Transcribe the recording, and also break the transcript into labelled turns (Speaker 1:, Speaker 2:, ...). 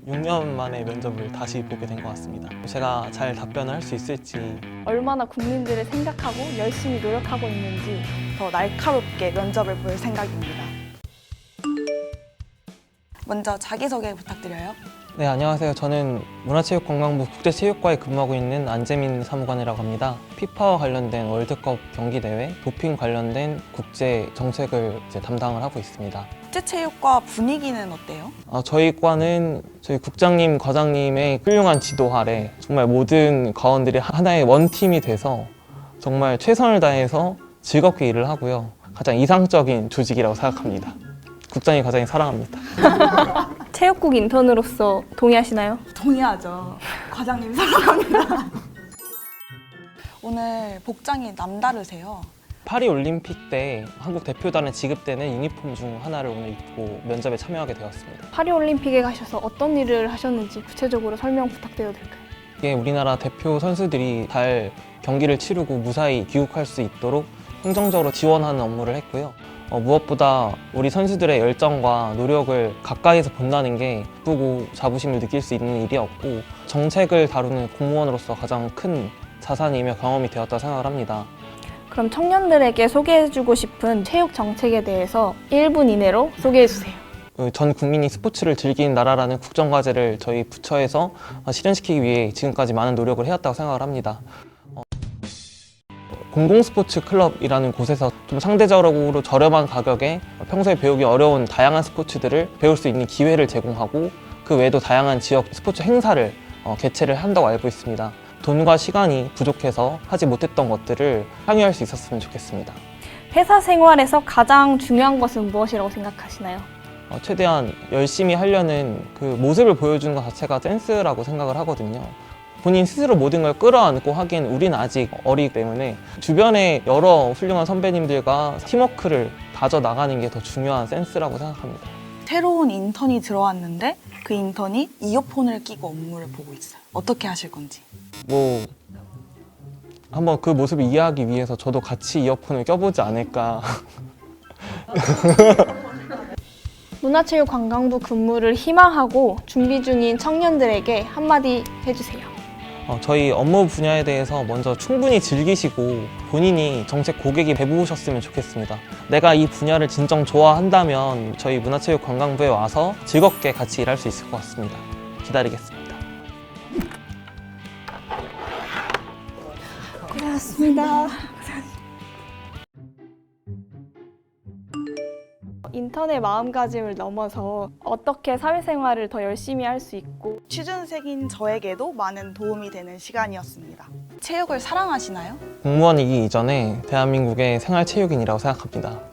Speaker 1: 6년 만에 면접을 다시 보게 된 것 같습니다. 제가 잘 답변을 할 수 있을지,
Speaker 2: 얼마나 국민들을 생각하고 열심히 노력하고 있는지
Speaker 3: 더 날카롭게 면접을 볼 생각입니다. 먼저 자기소개 부탁드려요.
Speaker 1: 네, 안녕하세요. 저는 문화체육관광부 국제체육과에 근무하고 있는 안재민 사무관이라고 합니다. 피파와 관련된 월드컵 경기 대회, 도핑 관련된 국제 정책을 담당을 하고 있습니다.
Speaker 3: 국제체육과 분위기는 어때요?
Speaker 1: 저희 과는 저희 국장님, 과장님의 훌륭한 지도 아래 정말 모든 과원들이 하나의 원팀이 돼서 정말 최선을 다해서 즐겁게 일을 하고요. 가장 이상적인 조직이라고 생각합니다. 국장님, 과장님 사랑합니다.
Speaker 2: 체육국 인턴으로서 동의하시나요?
Speaker 3: 동의하죠. 과장님 사랑합니다. 오늘 복장이 남다르세요.
Speaker 1: 파리 올림픽 때 한국 대표단에 지급되는 유니폼 중 하나를 오늘 입고 면접에 참여하게 되었습니다.
Speaker 2: 파리올림픽에 가셔서 어떤 일을 하셨는지 구체적으로 설명 부탁드려도 될까요?
Speaker 1: 이게 우리나라 대표 선수들이 잘 경기를 치르고 무사히 귀국할 수 있도록 행정적으로 지원하는 업무를 했고요. 무엇보다 우리 선수들의 열정과 노력을 가까이서 본다는 게 기쁘고 자부심을 느낄 수 있는 일이었고, 정책을 다루는 공무원으로서 가장 큰 자산이며 경험이 되었다 생각을 합니다.
Speaker 2: 그럼 청년들에게 소개해주고 싶은 체육 정책에 대해서 1분 이내로 소개해주세요.
Speaker 1: 전 국민이 스포츠를 즐기는 나라라는 국정과제를 저희 부처에서 실현시키기 위해 지금까지 많은 노력을 해왔다고 생각을 합니다. 공공스포츠 클럽이라는 곳에서 좀 상대적으로 저렴한 가격에 평소에 배우기 어려운 다양한 스포츠들을 배울 수 있는 기회를 제공하고, 그 외에도 다양한 지역 스포츠 행사를 개최를 한다고 알고 있습니다. 돈과 시간이 부족해서 하지 못했던 것들을 향유할 수 있었으면 좋겠습니다.
Speaker 2: 회사 생활에서 가장 중요한 것은 무엇이라고 생각하시나요?
Speaker 1: 최대한 열심히 하려는 그 모습을 보여주는 것 자체가 센스라고 생각을 하거든요. 본인 스스로 모든 걸 끌어안고 하기엔 우리는 아직 어리기 때문에 주변에 여러 훌륭한 선배님들과 팀워크를 다져 나가는 게 더 중요한 센스라고 생각합니다.
Speaker 3: 새로운 인턴이 들어왔는데 그 인턴이 이어폰을 끼고 업무를 보고 있어요. 어떻게 하실 건지.
Speaker 1: 한번 그 모습을 이해하기 위해서 저도 같이 이어폰을 껴보지 않을까.
Speaker 2: 문화체육관광부 근무를 희망하고 준비 중인 청년들에게 한마디 해주세요.
Speaker 1: 저희 업무 분야에 대해서 먼저 충분히 즐기시고 본인이 정책 고객이 돼보셨으면 좋겠습니다. 내가 이 분야를 진정 좋아한다면 저희 문화체육관광부에 와서 즐겁게 같이 일할 수 있을 것 같습니다. 기다리겠습니다.
Speaker 2: 고생하셨습니다. 인턴의 마음가짐을 넘어서 어떻게 사회생활을 더 열심히 할 수 있고,
Speaker 3: 취준생인 저에게도 많은 도움이 되는 시간이었습니다. 체육을 사랑하시나요?
Speaker 1: 공무원이기 이전에 대한민국의 생활체육인이라고 생각합니다.